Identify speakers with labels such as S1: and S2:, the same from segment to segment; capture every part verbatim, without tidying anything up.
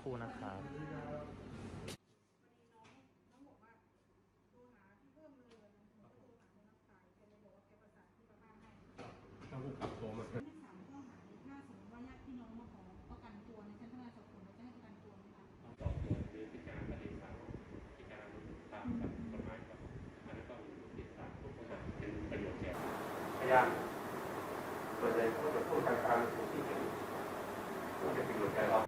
S1: รู่นะครับ
S2: ต้องกลับตัวมาพยายามส่วนใหญ่เขาจะพูดทางการที่เป็นผู้เป็นประโยชน์แก่เรา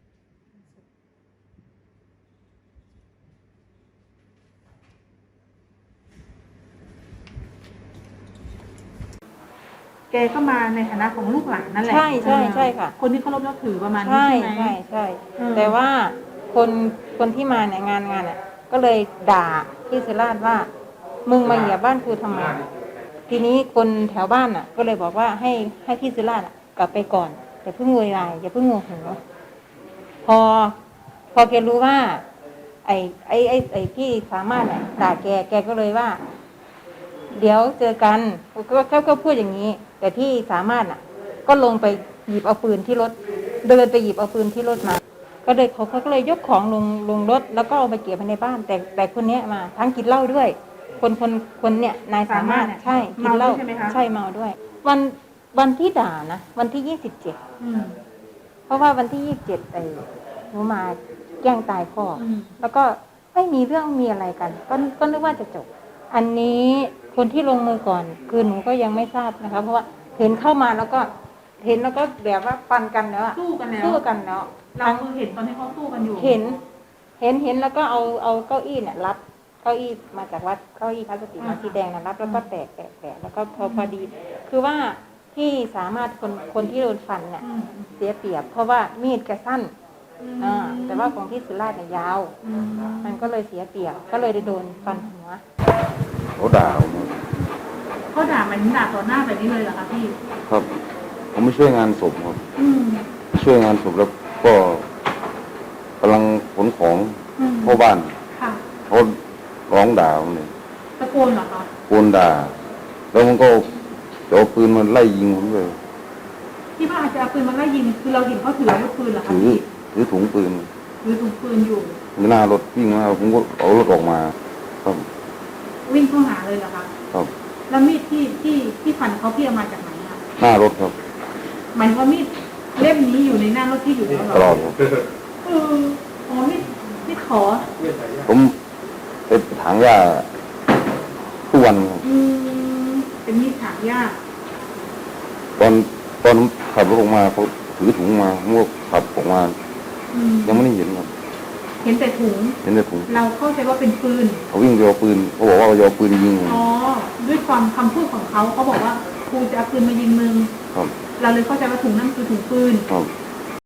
S3: แกก็มาในฐานะของลูกหลานนั่นแหละ
S4: ใช่ใช่ใช่ค่ะ
S3: คนที่เคารพนับถือประมาณนี้
S4: ใช่
S3: ใช่ไหม
S4: ใช่ใช่
S3: อืม
S4: แต่ว่าคนคนที่มาเนี่ยงานงานอ่ะก็เลยด่าพี่ศิราชว่ามึงมาเหยียบบ้านกูทำไมทีนี้คนแถวบ้านอ่ะ ก็เลยบอกว่าให้ให้พี่ศิราชกลับไปก่อนอย่าเพิ่งโวยวายอย่าเพิ่งโมโหพอพอแกรู้ว่า ไอ้ไอ้ไอ้ไอ้พี่สามารถเนี่ยด่าแกแกก็เลยว่า เดี๋ยวเจอกันก็เขาก็พูดอย่างนี้ แต่พี่สามารถอ่ะ ก็ลงไปหยิบเอาปืนที่รถเดินไปหยิบเอาปืนที่รถมา ก็เลยเขาเขาก็เลยยกของลงลงรถแล้วก็เอาไปเก็บไว้ในบ้าน แต่แต่คนเนี้ยมาทั้งกินเหล้าด้วย คนคนคนเนี้ยนายสามารถใช่กินเหล้าใช่เมาด้วย วันวันที่ด่านะวันที่ยี่สิบเจ็ดเพราะว่าวันที่ยี่สิบเจ็ดไอ้หนูมาแกล้งตายพ่ออแล้วก็ไม่มีเรื่องมีอะไรกัน ก็ก็นึกว่าจะจบ อันนี้คนที่ลงมือก่อนคือหนูก็ยังไม่ทราบนะคะเพราะว่าเห็นเข้ามาแล้วก็เห็นแล้วก็แบบว่าฟันกันแล้วอะ
S3: สู้กันแล้ว
S4: สู้กันแล้ว
S3: เราคือเห็นตอนที่เขาสู้กันอยู่
S4: เห็น เห็นเห็นแล้วก็เอาเอาเก้าอี้เนี่ยรับเก้าอี้มาจากวัดเก้าอี้พลาสติกมาสีแดงนะรับแล้วก็แตกแตกแตกแล้วก็พอพอดี คือว่าที่สามารถคนคนที่โดนฟันเนี่ยเสียเปรียบ เพราะว่ามีดแกสั้นอ่าแต่ว่าของที่สุราษฎร์เนี่ยยาวมันก็เลยเสียเปรียบก็เลยได้โดนฟันหัว
S5: เขาด่าผม
S3: เขาด่ามันด่าต่อหน้าแบบนี้เลยเหรอคะพี่
S5: ครับผมไม่ช่วยงานศพครับ
S3: อืม
S5: ช่วยงานศพแล้วก็กำลังขนของ
S3: อืม
S5: เข้าบ้าน
S3: ค่ะ
S5: เขาร้องด่าผมเลย
S3: ตะโกนเหรอคะ
S5: โกนด่า แล้วมันก็จะเอาปืนมาไล่ยิงผมเลย
S3: ที่ว่าอาจจะเอาปืนมาไล่ยิงคือเราเห็นเขาถืออาวุธปืนเหรอคะ
S5: ถือ
S3: พี่
S5: ถือถุงปืน
S3: ถือถุงปืนอยู่
S5: หน้ารถวิ่งมาผมก็เอารถออกมาครับ
S3: วิ่งเข้าหาเลยเหรอคะ
S5: ครับ
S3: แล้วมีดที่ที่ที่ฟันเขาพี่เอามาจากไหนอะ
S5: หน้ารถครับ
S3: หมายว่ามีดเล่มนี้อยู่ในหน้ารถที่อยู่แล้วเหรอ
S5: ตลอดครับ
S3: เอออ๋อมีดมีดขอ
S5: ผมไปถางหญ้าทุกวันครับ
S3: อืมเป็นมีดถางหญ้า
S5: ตอนตอนผมขับรถออกมาเขาถือถุงมาผมก็ขับออกมา
S3: อืม
S5: ยังไม่ได้เห็นครับ
S3: เห็นแต่ถุง
S5: เห็นแต่ถุง
S3: เราเข้าใจว่าเป็นปืน
S5: เขาวิ่งไปเอาปืนเขาบอกว่าจะเอาปืนยิงผม
S3: อ๋อ ด้วยความคำพูดของเขาเขาบอกว่าครูจะเอาปืนมายิงมึง
S5: ครับ
S3: เราเลยเข้าใจว่าถุงนั่นคือถุงปืน
S5: ครับ